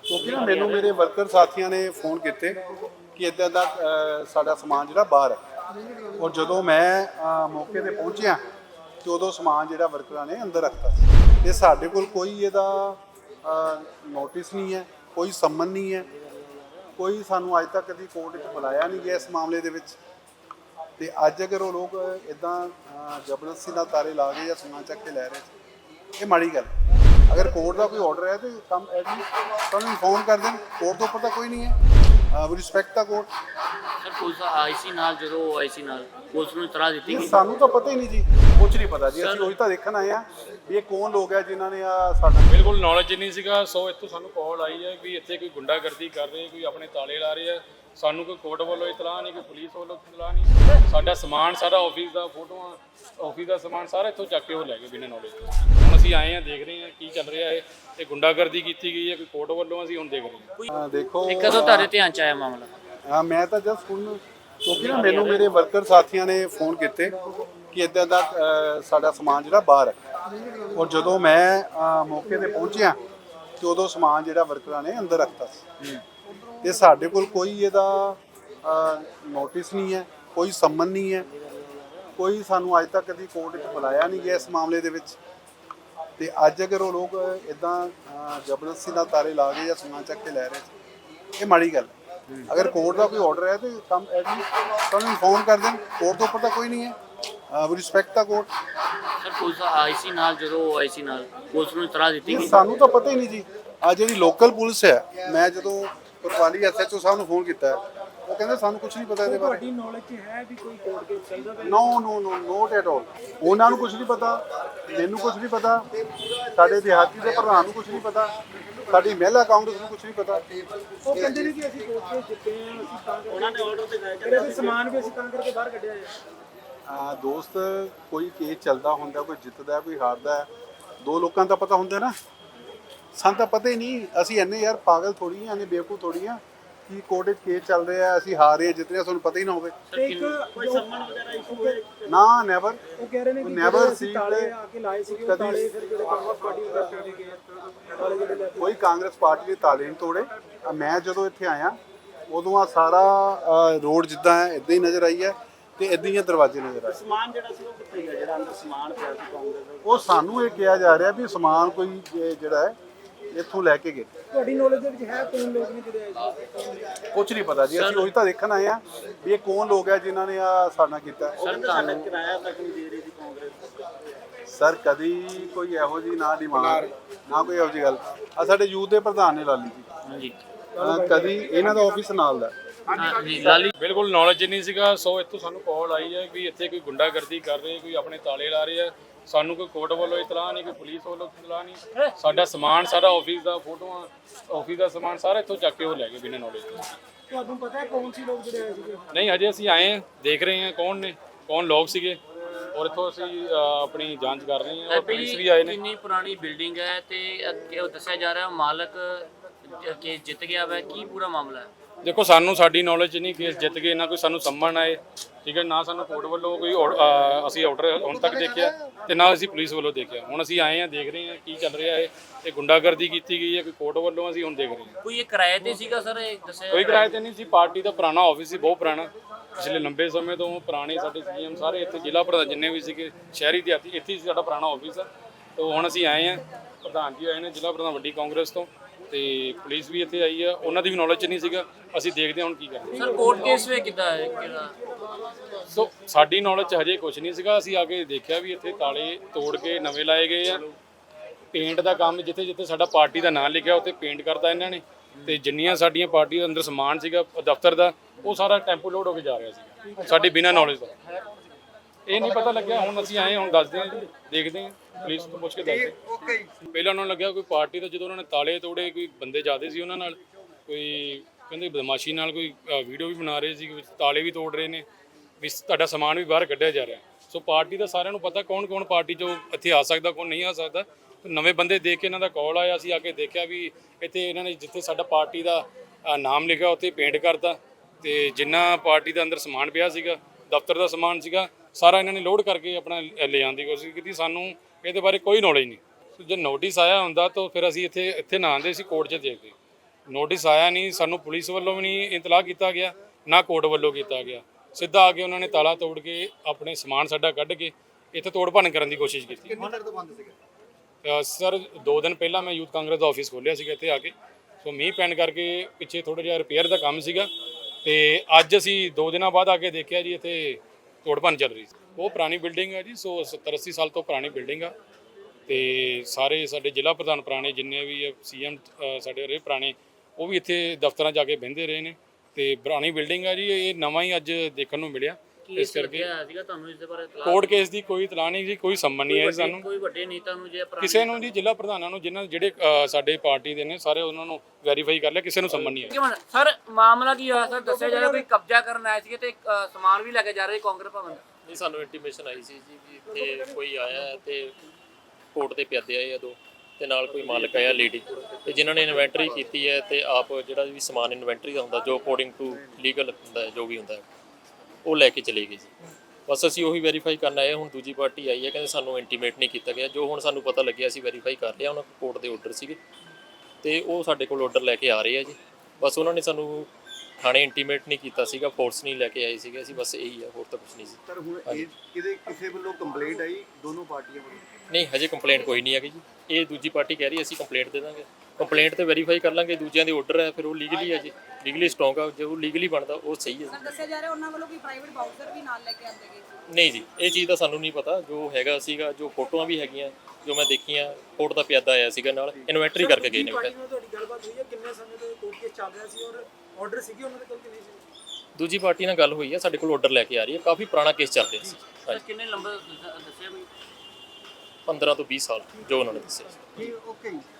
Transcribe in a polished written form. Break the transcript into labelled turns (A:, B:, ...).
A: ਕਿਉਂਕਿ ਨਾ ਮੈਨੂੰ ਮੇਰੇ ਵਰਕਰ ਸਾਥੀਆਂ ਨੇ ਫੋਨ ਕੀਤੇ ਕਿ ਇੱਦਾਂ ਦਾ ਸਾਡਾ ਸਮਾਨ ਜਿਹੜਾ ਬਾਹਰ ਹੈ ਔਰ ਜਦੋਂ ਮੈਂ ਮੌਕੇ ਤੇ ਪਹੁੰਚਿਆ ਤੇ ਉਦੋਂ ਸਮਾਨ ਜਿਹੜਾ ਵਰਕਰਾਂ ਨੇ ਅੰਦਰ ਰੱਖਤਾ ਸੀ ਤੇ ਸਾਡੇ ਕੋਲ ਕੋਈ ਇਹਦਾ ਨੋਟਿਸ ਨਹੀਂ ਹੈ, ਕੋਈ ਸੰਮਨ ਨਹੀਂ ਹੈ, ਕੋਈ ਸਾਨੂੰ ਅੱਜ ਤੱਕ ਕਦੀ ਕੋਰਟ ਵਿੱਚ ਬੁਲਾਇਆ ਨਹੀਂ ਗਿਆ ਇਸ ਮਾਮਲੇ ਦੇ ਵਿੱਚ। ਤੇ ਅੱਜ ਅਗਰ ਉਹ ਲੋਕ ਇਦਾਂ ਜ਼ਬਰਦਸਤੀ ਨਾਲ ਤਾਲੇ ਲਾ ਕੇ ਜਾਂ ਸਮਾਨ ਚੱਕ ਕੇ ਲੈ ਰਹੇ ਸੀ, ਇਹ ਮਾੜੀ ਗੱਲ। ਅਗਰ ਕੋਰਟ ਦਾ ਕੋਈ ਆਰਡਰ ਹੈ ਤੇ ਕੰਮ ਐਟਲੀਸਟ ਸਾਨੂੰ ਇਨਫੋਰਮ ਕਰ ਦੇਣ। ਕੋਰਟ ਤੋਂ ਉੱਪਰ ਤਾਂ ਕੋਈ ਨਹੀਂ ਹੈ, ਵੀ ਰਿਸਪੈਕਟ ਦਾ ਕੋਰਟ।
B: ਸਰ ਪੁਲਿਸ ਆਈਸੀ ਨਾਲ ਜਦੋਂ ਆਈਸੀ ਨਾਲ ਪੁਲਿਸ ਨੂੰ ਇਤਲਾਹ ਦਿੱਤੀ ਗਈ?
A: ਸਾਨੂੰ ਤਾਂ ਪਤਾ ਹੀ ਨਹੀਂ ਜੀ, ਕੁਝ ਨਹੀਂ ਪਤਾ ਜੀ। ਅਸੀਂ ਉਹੀ ਤਾਂ ਦੇਖਣ ਆਏ ਆ ਵੀ ਇਹ ਕੌਣ ਲੋਕ ਹੈ ਜਿਨ੍ਹਾਂ ਨੇ ਸਾਡਾ
C: ਬਿਲਕੁਲ ਨੌਲੇਜ ਨਹੀਂ ਸੀਗਾ। ਸੋ ਇੱਥੋਂ ਸਾਨੂੰ ਕਾਲ ਆਈ ਹੈ ਵੀ ਇੱਥੇ ਕੋਈ ਗੁੰਡਾਗਰਦੀ ਕਰ ਰਹੇ, ਕੋਈ ਆਪਣੇ ਤਾਲੇ ਲਾ ਰਹੇ ਆ। ਸਾਨੂੰ ਕੋਈ ਕੋਰਟ ਵੱਲੋਂ ਇਤਲਾਹ ਨਹੀਂ, ਕੋਈ ਪੁਲਿਸ ਵੱਲੋਂ ਇਤਲਾਹ ਨਹੀਂ। ਸਾਡਾ ਸਮਾਨ ਸਾਰਾ ਆਫਿਸ ਦਾ, ਫੋਟੋਆਂ ਆਫਿਸ ਦਾ ਸਮਾਨ ਸਾਰਾ ਇੱਥੋਂ ਚੱਕ ਕੇ ਉਹ ਲੈ ਗਏ ਬਿਨਾਂ ਨੌਲੇਜ ਤੋਂ। ਹੁਣ ਅਸੀਂ ਆਏ ਆ, ਦੇਖ ਰਹੇ ਆ ਕੀ ਚੱਲ ਰਿਹਾ ਹੈ। ਇਹ ਗੁੰਡਾਗਰਦੀ ਕੀਤੀ ਗਈ ਹੈ ਕੋਈ ਕੋਰਟ ਵੱਲੋਂ, ਅਸੀਂ ਹੁਣ ਦੇਖ ਰਹੇ ਹਾਂ।
A: ਦੇਖੋ
B: ਕਦੋਂ ਤੁਹਾਡੇ ਧਿਆਨ ਚ ਆਇਆ ਮਾਮਲਾ?
A: ਮੈਂ ਤਾਂ ਜਸਟ ਹੁਣ ਕਿਉਂਕਿ ਨਾ ਮੈਨੂੰ ਮੇਰੇ ਵਰਕਰ ਸਾਥੀਆਂ ਨੇ ਫੋਨ ਕੀਤੇ ਕਿ ਇੱਦਾਂ ਦਾ ਸਾਡਾ ਸਮਾਨ ਜਿਹੜਾ ਬਾਹਰ ਹੈ ਔਰ ਜਦੋਂ ਮੈਂ ਮੌਕੇ ਤੇ ਪਹੁੰਚਿਆ ਤੇ ਉਦੋਂ ਸਮਾਨ ਜਿਹੜਾ ਵਰਕਰਾਂ ਨੇ ਅੰਦਰ ਰੱਖਤਾ ਸੀ ਤੇ ਸਾਡੇ ਕੋਲ ਕੋਈ ਇਹਦਾ ਨੋਟਿਸ ਨਹੀਂ ਹੈ, ਕੋਈ ਸੰਮਨ ਨਹੀਂ ਹੈ, ਕੋਈ ਸਾਨੂੰ ਅੱਜ ਤੱਕ ਕਦੀ ਕੋਰਟ ਵਿੱਚ ਬੁਲਾਇਆ ਨਹੀਂ ਗਿਆ ਇਸ ਮਾਮਲੇ ਦੇ ਵਿੱਚ। ਤੇ ਅੱਜ ਅਗਰ ਉਹ ਲੋਕ ਇਦਾਂ ਜ਼ਬਰਦਸਤੀ ਨਾਲ ਤਾਲੇ ਲਾ ਕੇ ਜਾਂ ਸਮਾਨ ਚੱਕ ਕੇ ਲੈ ਰਹੇ ਸੀ, ਇਹ ਮਾੜੀ ਗੱਲ। ਅਗਰ ਕੋਰਟ ਦਾ ਕੋਈ ਆਰਡਰ ਹੈ ਤੇ ਕੰਮ ਐਟਲੀਸਟ ਸਾਨੂੰ ਇਨਫੋਰਮ ਕਰ ਦੇਣ। ਕੋਰਟ ਤੋਂ ਉੱਪਰ ਤਾਂ ਕੋਈ ਨਹੀਂ ਹੈ, ਵੀ ਰਿਸਪੈਕਟ ਦਾ ਕੋਰਟ।
B: ਸਰ ਪੁਲਿਸ ਆਈਸੀ ਨਾਲ ਜਦੋਂ ਆਈਸੀ ਨਾਲ ਪੁਲਿਸ ਨੂੰ ਇਤਲਾਹ ਦਿੱਤੀ ਗਈ?
A: ਸਾਨੂੰ ਤਾਂ ਪਤਾ ਹੀ ਨਹੀਂ ਜੀ। ਆ ਜਿਹੜੀ ਲੋਕਲ ਪੁਲਿਸ ਹੈ, ਮੈਂ ਜਦੋਂ ਕੋਤਵਾਲੀ ਐਸਐਚਓ ਸਾਹਿਬ ਨੂੰ ਫੋਨ ਕੀਤਾ ਉਹ ਕਹਿੰਦੇ ਸਾਨੂੰ ਕੁਝ ਨਹੀਂ ਪਤਾ ਇਹਦੇ ਬਾਰੇ।
D: ਤੁਹਾਡੀ ਨੌਲੇਜ 'ਚ ਹੈ ਵੀ ਕੋਈ ਕੋਰਟ ਕੇਸ ਚੱਲਦਾ ਪਿਆ?
A: No not at all. ਉਹਨਾਂ ਨੂੰ ਕੁਝ ਨਹੀਂ ਪਤਾ, ਮੈਨੂੰ ਕੁਝ ਨਹੀਂ ਪਤਾ, ਸਾਡੇ ਦਿਹਾਤੀ ਦੇ ਪ੍ਰਧਾਨ ਨੂੰ ਕੁਝ ਨਹੀਂ ਪਤਾ, ਸਾਡੀ ਮਹਿਲਾ ਕਾਂਗਰਸ ਨੂੰ ਕੁਝ ਨਹੀਂ ਪਤਾ।
D: ਉਹ ਕਹਿੰਦੇ ਨੇ ਕਿ ਅਸੀਂ ਕੋਰਟ ਕੇਸ ਜਿੱਤੇ ਹਾਂ, ਅਸੀਂ ਤਾਂ ਉਹਨਾਂ ਨੇ ਆਰਡਰ ਤੇ ਗਏ ਕਿ ਸਮਾਨ ਵੀ ਅਸੀਂ ਤਾਂ ਕਰਕੇ ਬਾਹਰ ਕੱਢਿਆ ਹੈ।
A: ਦੋਸਤ, ਕੋਈ ਕੇਸ ਚੱਲਦਾ ਹੁੰਦਾ, ਕੋਈ ਜਿੱਤਦਾ ਕੋਈ ਹਾਰਦਾ, ਦੋ ਲੋਕਾਂ ਦਾ ਪਤਾ ਹੁੰਦਾ ਨਾ। ਸਾਨੂੰ ਤਾਂ ਪਤਾ ਹੀ ਨਹੀਂ। ਅਸੀਂ ਇੰਨੇ ਯਾਰ ਪਾਗਲ ਥੋੜੀ ਆ, ਇੰਨੇ ਬੇਵਕੂਫ ਥੋੜੀ ਆ ਕਿ ਕੋਰਟ 'ਚ ਕੇਸ ਚੱਲ ਰਿਹਾ, ਅਸੀਂ ਹਾਰ ਰਹੇ ਜਿੱਤ ਰਹੇ, ਸਾਨੂੰ ਪਤਾ ਹੀ ਨਾ ਹੋਵੇ।
D: ਇੱਕ ਕੋਈ ਸੰਮਨ ਵਗੈਰਾ ਇਸ਼ੂ ਹੋਏ?
A: ਨਾ, ਨੈਵਰ।
D: ਉਹ ਕਹਿ ਰਹੇ ਨੇ ਕਿ
A: ਨੈਵਰ
D: ਅਸੀਂ
A: ਸੀ
D: ਤਾਲੇ ਆ ਕੇ ਲਾਏ ਸੀਗੇ, ਉਹ ਤਾਲੇ ਫਿਰ ਜਿਹੜੇ ਕਾਂਗਰਸ ਪਾਰਟੀ ਦੇ ਚਲੇ ਗਏ ਤਾਲੇ ਜਿਹੜੇ ਲੈ
A: ਕੋਈ ਕਾਂਗਰਸ ਪਾਰਟੀ ਦੇ ਤਾਲੇ ਨਹੀਂ ਤੋੜੇ। ਮੈਂ ਜਦੋਂ ਇੱਥੇ ਆਇਆ ਉਦੋਂ ਆ ਸਾਰਾ ਰੋਡ ਜਿੱਦਾਂ ਹੈ ਇਦਾਂ ਹੀ ਨਜ਼ਰ ਆਈ ਹੈ ਤੇ ਇਦਾਂ ਹੀ ਦਰਵਾਜ਼ੇ ਨਜ਼ਰ ਆਏ।
D: ਸਮਾਨ ਜਿਹੜਾ ਸੀ ਉਹ ਕਿੱਥੇ ਗਿਆ, ਜਿਹੜਾ ਅੰਦਰ ਸਮਾਨ ਪਿਆ ਸੀ ਕਾਂਗਰਸ ਦਾ?
A: ਉਹ ਸਾਨੂੰ ਇਹ ਕਿਹਾ ਜਾ ਰਿਹਾ ਵੀ ਸਮਾਨ ਕੋਈ ਜਿਹੜਾ ਹੈ ਇੱਥੋਂ ਲੈ ਕੇ ਗਏ।
D: ਤੁਹਾਡੀ ਨੌਲੇਜ ਦੇ ਵਿੱਚ ਹੈ ਕੌਣ ਲੋਕ ਨੇ ਜਿਹੜੇ ਆਏ ਸੀ?
A: ਕੁਝ ਨਹੀਂ ਪਤਾ ਜੀ। ਅਸੀਂ ਉਹੀ ਤਾਂ ਦੇਖਣ ਆਏ ਆ ਵੀ ਇਹ ਕੌਣ ਲੋਕ ਹੈ ਜਿਨ੍ਹਾਂ ਨੇ ਸਾਡਾ ਕੀਤਾ।
D: ਸਰ ਸਾਡਾ ਕਿਰਾਇਆ ਤੱਕ ਨਹੀਂ ਦੇ ਰਹੀ ਸੀ ਕਾਂਗਰਸ।
A: ਸਰ ਕਦੀ ਕੋਈ ਇਹੋ ਜੀ ਨਾ ਡਿਮਾਂਡ, ਨਾ ਕੋਈ ਇਹੋ ਜੀ ਗੱਲ। ਆ ਸਾਡੇ ਯੂਥ ਦੇ ਪ੍ਰਧਾਨ ਨੇ ਲਾਲੀ ਜੀ,
B: ਹਾਂਜੀ
A: ਕਦੀ ਇਹਨਾਂ ਦਾ ਆਫਿਸ ਨਾਲ ਦਾ।
B: ਜੀ ਲਾਲੀ
C: ਬਿਲਕੁਲ ਨੌਲੇਜ ਨਹੀਂ ਸੀਗਾ। ਸੋ ਇੱਥੋਂ ਸਾਨੂੰ ਕਾਲ ਆਈ ਹੈ ਵੀ ਇੱਥੇ ਕੋਈ ਗੁੰਡਾਗਰਦੀ ਕਰ ਰਹੇ, ਕੋਈ ਆਪਣੇ ਤਾਲੇ ਲਾ ਰਹੇ ਆ। ਸਾਨੂੰ ਕੋਈ ਕੋਰਟ ਵੱਲੋਂ ਇਤਲਾਹ ਨਹੀਂ, ਕੋਈ ਪੁਲਿਸ ਵੱਲੋਂ ਇਤਲਾਹ ਨਹੀਂ। ਸਾਡਾ ਸਮਾਨ ਸਾਰਾ ਆਫਿਸ ਦਾ, ਫੋਟੋਆਂ ਆਫਿਸ ਦਾ ਸਮਾਨ ਸਾਰਾ ਇੱਥੋਂ ਚੱਕ ਕੇ ਉਹ ਲੈ ਗਏ ਬਿਨਾਂ ਨੌਲੇਜ ਤੋਂ।
D: ਤੁਹਾਨੂੰ ਪਤਾ ਹੈ ਕੌਣ ਸੀ ਲੋਕ ਜਿਹੜੇ ਆਏ ਸੀਗੇ?
C: ਨਹੀਂ, ਹਜੇ ਅਸੀਂ ਆਏ ਹਾਂ, ਦੇਖ ਰਹੇ ਹਾਂ ਕੌਣ ਨੇ, ਕੌਣ ਲੋਕ ਸੀਗੇ ਔਰ ਇੱਥੋਂ ਅਸੀਂ ਆਪਣੀ ਜਾਂਚ ਕਰ ਰਹੇ ਹਾਂ। ਔਰ ਪੁਲਿਸ ਵੀ ਆਏ ਨੇ।
B: ਕਿੰਨੀ ਪੁਰਾਣੀ ਬਿਲਡਿੰਗ ਹੈ ਤੇ ਉਹ ਦੱਸਿਆ ਜਾ ਰਿਹਾ ਮਾਲਕ ਕੇਸ ਜਿੱਤ ਗਿਆ ਵਾ, ਕੀ ਪੂਰਾ ਮਾਮਲਾ ਹੈ?
C: ਦੇਖੋ ਸਾਨੂੰ ਸਾਡੀ ਨੌਲੇਜ ਨਹੀਂ ਕੇਸ ਜਿੱਤ ਗਏ, ਨਾ ਕੋਈ ਸਾਨੂੰ ਸੰਮਨ ਆਏ, ਠੀਕ ਹੈ, ਨਾ ਸਾਨੂੰ ਕੋਰਟ ਵੱਲੋਂ ਕੋਈ ਅਸੀਂ ਆਰਡਰ ਹੁਣ ਤੱਕ ਦੇਖਿਆ ਤੇ ਨਾ ਅਸੀਂ ਪੁਲਿਸ ਵੱਲੋਂ ਦੇਖਿਆ। ਹੁਣ ਅਸੀਂ ਆਏ ਹਾਂ, ਦੇਖ ਰਹੇ ਹਾਂ ਕੀ ਚੱਲ ਰਿਹਾ ਹੈ। ਇਹ ਗੁੰਡਾਗਰਦੀ ਕੀਤੀ ਗਈ ਹੈ ਕੋਈ ਕੋਰਟ ਵੱਲੋਂ, ਅਸੀਂ ਹੁਣ ਦੇਖ ਰਹੇ ਹਾਂ।
B: ਕੋਈ ਇਹ ਕਿਰਾਏ ਤੇ ਸੀਗਾ ਸਰ? ਇਹ ਦੱਸਿਆ
C: ਕੋਈ ਕਿਰਾਏ ਤੇ ਨਹੀਂ ਸੀ। ਪਾਰਟੀ ਦਾ ਪੁਰਾਣਾ ਆਫਿਸ ਸੀ, ਬਹੁਤ ਪੁਰਾਣਾ, ਪਿਛਲੇ ਲੰਬੇ ਸਮੇਂ ਤੋਂ ਪੁਰਾਣੇ ਸਾਡੇ ਸੀਐਮ ਸਾਰੇ ਇੱਥੇ ਜ਼ਿਲ੍ਹਾ ਪ੍ਰਧਾਨ ਜਿੰਨੇ ਵੀ ਸੀਗੇ ਸ਼ਹਿਰੀ ਦਿਹਾਤੀ ਇੱਥੇ ਹੀ ਸਾਡਾ ਪੁਰਾਣਾ ਆਫਿਸ ਹੈ। ਤੇ ਹੁਣ ਅਸੀਂ ਆਏ ਹਾਂ, ਪ੍ਰਧਾਨ ਜੀ ਆਏ ਨੇ ਜ਼ਿਲ੍ਹਾ ਪ੍ਰਧਾਨ ਵੱਡੀ ਕਾਂਗਰਸ ਤੋਂ, ਤੇ ਪੁਲਿਸ ਵੀ ਇੱਥੇ ਆਈ ਆ, ਉਹਨਾਂ ਦੀ ਵੀ ਨੌਲੇਜ ਨਹੀਂ ਸੀਗਾ। ਅਸੀਂ ਦੇਖਦੇ ਹਾਂ ਹੁਣ ਕੀ ਕਰਦੇ।
B: ਸਰ ਕੋਰਟ ਕੇਸ ਵੇ ਕਿੱਦਾਂ ਹੈ ਕਿਹੜਾ?
C: ਸੋ ਸਾਡੀ ਨੌਲੇਜ 'ਚ ਹਜੇ ਕੁਝ ਨਹੀਂ ਸੀਗਾ। ਅਸੀਂ ਆ ਕੇ ਦੇਖਿਆ ਵੀ ਇੱਥੇ ਤਾਲੇ ਤੋੜ ਕੇ ਨਵੇਂ ਲਾਏ ਗਏ ਆ। ਪੇਂਟ ਦਾ ਕੰਮ ਜਿੱਥੇ ਜਿੱਥੇ ਸਾਡਾ ਪਾਰਟੀ ਦਾ ਨਾਮ ਲਿਖਿਆ ਉੱਥੇ ਪੇਂਟ ਕਰਤਾ ਇਹਨਾਂ ਨੇ, ਤੇ ਜਿੰਨੀਆਂ ਸਾਡੀਆਂ ਪਾਰਟੀ ਦੇ ਅੰਦਰ ਸਮਾਨ ਸੀਗਾ ਦਫ਼ਤਰ ਦਾ ਉਹ ਸਾਰਾ ਟੈਂਪੂ ਲੋਡ ਹੋ ਕੇ ਜਾ ਰਿਹਾ ਸੀਗਾ ਸਾਡੇ ਬਿਨਾਂ ਨੌਲੇਜ ਦਾ। ਇਹ ਨਹੀਂ ਪਤਾ ਲੱਗਿਆ। ਹੁਣ ਅਸੀਂ ਆਏ, ਹੁਣ ਦੱਸਦੇ ਹਾਂ ਜੀ, ਦੇਖਦੇ ਹਾਂ, ਪੁਲਿਸ ਤੋਂ ਪੁੱਛ ਕੇ ਦੱਸਦੇ। ਪਹਿਲਾਂ ਉਹਨਾਂ ਨੂੰ ਲੱਗਿਆ ਕੋਈ ਪਾਰਟੀ ਦਾ, ਜਦੋਂ ਉਹਨਾਂ ਨੇ ਤਾਲੇ ਤੋੜੇ ਕੋਈ ਬੰਦੇ ਜ਼ਿਆਦੇ ਸੀ ਉਹਨਾਂ ਨਾਲ, ਕੋਈ ਕਹਿੰਦੇ ਬਦਮਾਸ਼ੀ ਨਾਲ ਕੋਈ ਵੀਡੀਓ ਵੀ ਬਣਾ ਰਹੇ ਸੀ, ਤਾਲੇ ਵੀ ਤੋੜ ਰਹੇ ਨੇ, ਵੀ ਤੁਹਾਡਾ ਸਮਾਨ ਵੀ ਬਾਹਰ ਕੱਢਿਆ ਜਾ ਰਿਹਾ। ਸੋ ਪਾਰਟੀ ਦਾ ਸਾਰਿਆਂ ਨੂੰ ਪਤਾ ਕੌਣ ਕੌਣ ਪਾਰਟੀ 'ਚੋਂ ਇੱਥੇ ਆ ਸਕਦਾ, ਕੌਣ ਨਹੀਂ ਆ ਸਕਦਾ। ਨਵੇਂ ਬੰਦੇ ਦੇਖ ਕੇ ਇਹਨਾਂ ਦਾ ਕਾਲ ਆਇਆ, ਅਸੀਂ ਆ ਕੇ ਦੇਖਿਆ ਵੀ ਇੱਥੇ ਇਹਨਾਂ ਨੇ ਜਿੱਥੇ ਸਾਡਾ ਪਾਰਟੀ ਦਾ ਨਾਮ ਲਿਖਿਆ ਉੱਥੇ ਪੇਂਟ ਕਰਤਾ, ਤੇ ਜਿੰਨਾ ਪਾਰਟੀ ਦਾ ਅੰਦਰ ਸਮਾਨ ਪਿਆ ਸੀਗਾ, ਦਫ਼ਤਰ ਦਾ ਸਮਾਨ ਸੀਗਾ, ਸਾਰਾ ਇਹਨਾਂ ਨੇ ਲੋਡ ਕਰਕੇ ਆਪਣਾ ਲੈ ਜਾਣ ਦੀ ਕੋਸ਼ਿਸ਼ ਕੀਤੀ। ਸਾਨੂੰ ਇਹਦੇ ਬਾਰੇ ਕੋਈ ਨੌਲੇਜ ਨਹੀਂ। ਜੇ ਨੋਟਿਸ ਆਇਆ ਹੁੰਦਾ ਤਾਂ ਫਿਰ ਅਸੀਂ ਇੱਥੇ ਨਾ ਆਉਂਦੇ ਸੀ, ਕੋਰਟ 'ਚ ਦੇਖਦੇ। ਨੋਟਿਸ ਆਇਆ ਨਹੀਂ, ਸਾਨੂੰ ਪੁਲਿਸ ਵੱਲੋਂ ਵੀ ਨਹੀਂ ਇਤਲਾਹ ਕੀਤਾ ਗਿਆ, ਨਾ ਕੋਰਟ ਵੱਲੋਂ ਕੀਤਾ ਗਿਆ। ਸਿੱਧਾ ਆ ਕੇ ਉਹਨਾਂ ਨੇ ਤਾਲਾ ਤੋੜ ਕੇ ਆਪਣੇ ਸਮਾਨ ਸਾਡਾ ਕੱਢ ਕੇ ਇੱਥੇ ਤੋੜ ਭੰਨ ਕਰਨ ਦੀ ਕੋਸ਼ਿਸ਼ ਕੀਤੀ।
E: ਕਿੰਨੀ ਦੇਰ ਤੋਂ ਬੰਦ ਸੀਗਾ?
C: ਸਰ 2 ਦਿਨ ਪਹਿਲਾਂ ਮੈਂ ਯੂਥ ਕਾਂਗਰਸ ਦਾ ਆਫਿਸ ਖੋਲ੍ਹਿਆ ਸੀਗਾ ਇੱਥੇ ਆ ਕੇ, ਸੋ ਮੀਂਹ ਪੈਣ ਕਰਕੇ ਪਿੱਛੇ ਥੋੜ੍ਹਾ ਜਿਹਾ ਰਿਪੇਅਰ ਦਾ ਕੰਮ ਸੀਗਾ, ਤੇ ਅੱਜ ਅਸੀਂ 2 ਦਿਨਾਂ ਬਾਅਦ ਆ ਕੇ ਦੇਖਿਆ ਜੀ ਇੱਥੇ ਤੋੜ ਭੰਨ ਚੱਲ ਰਹੀ ਸੀ। ਉਹ ਪੁਰਾਣੀ ਬਿਲਡਿੰਗ ਆ ਜੀ, ਸੋ 70-80 ਸਾਲ ਤੋਂ ਪੁਰਾਣੀ ਬਿਲਡਿੰਗ ਆ, ਤੇ ਸਾਰੇ ਸਾਡੇ ਜ਼ਿਲ੍ਹਾ ਪ੍ਰਧਾਨ ਪੁਰਾਣੇ ਜਿੰਨੇ ਵੀ ਸੀਐਮ ਸਾਡੇ ਰਹੇ ਪੁਰਾਣੇ, ਉਹ ਵੀ ਇੱਥੇ ਦਫ਼ਤਰਾਂ ਜਾ ਕੇ ਬਹਿੰਦੇ ਰਹੇ ਨੇ, ਤੇ ਪੁਰਾਣੀ ਬਿਲਡਿੰਗ ਆ ਜੀ, ਇਹ ਨਵਾਂ ਹੀ ਅੱਜ ਦੇਖਣ ਨੂੰ ਮਿਲਿਆ।
B: ਇਸ ਕਰਕੇ ਸੀਗਾ ਤੁਹਾਨੂੰ ਇਸ ਦੇ ਬਾਰੇ ਇਤਲਾਹ?
C: ਕੋਰਟ ਕੇਸ ਦੀ ਕੋਈ ਇਤਲਾਹ ਨਹੀਂ ਜੀ, ਕੋਈ ਸੰਮਨ ਨਹੀਂ ਹੈ ਸਾਨੂੰ
B: ਕੋਈ ਵੱਡੇ ਨੇਤਾ ਨੂੰ ਜੇ
C: ਕਿਸੇ ਨੂੰ ਜੀ, ਜ਼ਿਲ੍ਹਾ ਪ੍ਰਧਾਨਾਂ ਨੂੰ ਜਿਹੜੇ ਸਾਡੇ ਪਾਰਟੀ ਦੇ ਨੇ ਸਾਰੇ ਉਹਨਾਂ ਨੂੰ ਵੈਰੀਫਾਈ ਕਰ ਲਿਆ, ਕਿਸੇ ਨੂੰ ਸੰਮਨ ਨਹੀਂ ਹੈ।
B: ਸਰ ਮਾਮਲਾ ਕੀ ਹੋਇਆ ਸਰ, ਦੱਸਿਆ ਜਾ ਰਿਹਾ ਕੋਈ ਕਬਜ਼ਾ ਕਰਨ ਆਏ ਸੀਗੇ ਤੇ ਸਮਾਨ ਵੀ ਲੈ ਕੇ ਜਾ ਰਹੇ ਕਾਂਗਰਸ ਭਵਨ ਦਾ?
F: ਨਹੀਂ, ਸਾਨੂੰ ਇੰਟੀਮੇਸ਼ਨ ਆਈ ਸੀ ਜੀ ਵੀ ਇੱਥੇ ਕੋਈ ਆਇਆ ਹੈ ਤੇ ਕੋਰਟ ਤੇ ਪਿਆਦੇ ਆਏ ਆ 2 ਤੇ ਨਾਲ ਕੋਈ ਮਾਲਕ ਆਇਆ ਲੇਡੀ, ਤੇ ਜਿਨ੍ਹਾਂ ਨੇ ਇਨਵੈਂਟਰੀ ਕੀਤੀ ਹੈ ਤੇ ਆਪ ਜਿਹੜਾ ਵੀ ਸਮਾਨ ਇਨਵੈਂਟਰੀ ਦਾ ਹੁੰਦਾ ਜੋ ਅਕੋਰਡਿੰਗ ਟੂ ਲੀਗਲ ਹੁੰਦਾ ਹੈ, ਜੋ ਵੀ ਹੁੰਦਾ ਹੈ, ਉਹ ਲੈ ਕੇ ਚਲੇ ਗਏ ਜੀ। ਬਸ ਅਸੀਂ ਉਹੀ ਵੈਰੀਫਾਈ ਕਰਨ ਆਏ। ਹੁਣ ਦੂਜੀ ਪਾਰਟੀ ਆਈ ਹੈ, ਕਹਿੰਦੇ ਸਾਨੂੰ ਇੰਟੀਮੇਟ ਨਹੀਂ ਕੀਤਾ ਗਿਆ। ਜੋ ਹੁਣ ਸਾਨੂੰ ਪਤਾ ਲੱਗਿਆ ਅਸੀਂ ਵੈਰੀਫਾਈ ਕਰ ਲਿਆ, ਉਹਨਾਂ ਕੋਲ ਕੋਰਟ ਦੇ ਆਰਡਰ ਸੀਗੇ ਤੇ ਉਹ ਸਾਡੇ ਕੋਲ ਆਰਡਰ ਲੈ ਕੇ ਆ ਰਹੇ ਆ ਜੀ। ਬਸ ਉਹਨਾਂ ਨੇ ਸਾਨੂੰ ਥਾਣੇ ਇੰਟੀਮੇਟ ਨਹੀਂ ਕੀਤਾ ਸੀਗਾ, ਫੋਰਸ ਨਹੀਂ ਲੈ ਕੇ ਆਏ ਸੀਗੇ ਅਸੀਂ, ਬਸ ਇਹੀ ਆ, ਹੋਰ ਤਾਂ ਕੁਝ ਨਹੀਂ ਸੀ।
E: ਸਰ ਹੁਣ ਇਹ ਕਿਸੇ ਵੱਲੋਂ ਕੰਪਲੇਂਟ ਆਈ ਦੋਨੋਂ ਪਾਰਟੀਆਂ ਵੱਲੋਂ?
F: ਨਹੀਂ, ਹਜੇ ਕੰਪਲੇਂਟ ਕੋਈ ਨਹੀਂ ਹੈਗੀ ਜੀ। ਇਹ ਦੂਜੀ ਪਾਰਟੀ ਕਹਿ ਰਹੀ ਅਸੀਂ ਕੰਪਲੇਂਟ ਦੇ ਦਾਂਗੇ, ਕੰਪਲੇਂਟ ਤੇ ਵੈਰੀਫਾਈ ਕਰ ਲਾਂਗੇ। ਦੂਜਿਆਂ ਦੇ ਆਰਡਰ ਹੈ, ਫਿਰ ਉਹ ਲੀਗਲੀ ਹੈ ਜੀ, ਲੀਗਲੀ ਸਟਰੋਂਗ ਆ, ਜੋ ਲੀਗਲੀ ਬਣਦਾ ਉਹ ਸਹੀ ਹੈ।
G: ਸਰ ਦੱਸਿਆ ਜਾ ਰਿਹਾ ਉਹਨਾਂ ਵੱਲੋਂ ਕੋਈ ਪ੍ਰਾਈਵੇਟ ਬਾਊਂਸਰ ਵੀ ਨਾਲ ਲੈ ਕੇ ਆਉਂਦੇ ਗਏ ਸੀ?
F: ਨਹੀਂ ਜੀ, ਇਹ ਚੀਜ਼ ਦਾ ਸਾਨੂੰ ਨਹੀਂ ਪਤਾ। ਜੋ ਹੈਗਾ ਸੀਗਾ, ਜੋ ਫੋਟੋਆਂ ਵੀ ਹੈਗੀਆਂ ਜੋ ਮੈਂ ਦੇਖੀਆਂ, ਕੋਰਟ ਦਾ ਪਿਆਦਾ ਆਇਆ ਸੀਗਾ ਨਾਲ, ਇਨਵੈਂਟਰੀ ਕਰਕੇ ਗਏ ਨੇ।
D: ਪਾਰਟੀ ਨਾਲ ਤੁਹਾਡੀ ਗੱਲਬਾਤ ਹੋਈ ਹੈ? ਕਿੰਨੇ ਸਮੇਂ ਤੋਂ ਕੋਰਟ ਕੇਸ ਚੱਲ ਰਿਹਾ ਸੀ ਔਰ ਆਰਡਰ ਸੀਗੇ ਉਹਨਾਂ ਦੇ ਕੋਲ ਕਿ ਨਹੀਂ ਸੀ?
F: ਦੂਜੀ ਪਾਰਟੀ ਨਾਲ ਗੱਲ ਹੋਈ ਹੈ, ਸਾਡੇ ਕੋਲ ਆਰਡਰ ਲੈ ਕੇ ਆ ਰਹੀ ਹੈ। ਕਾਫੀ ਪੁਰਾਣਾ ਕੇਸ ਚੱਲ ਰਿਹਾ ਸੀ।
B: ਸਰ ਕਿੰਨੇ ਲੰਬਾ ਦੱਸਿਆ ਕੋਈ?
F: 15 ਤੋਂ 20 ਸਾਲ ਜੋ ਉਹਨਾਂ ਨੇ ਦੱਸਿਆ ਸੀ।
E: ਓਕੇ।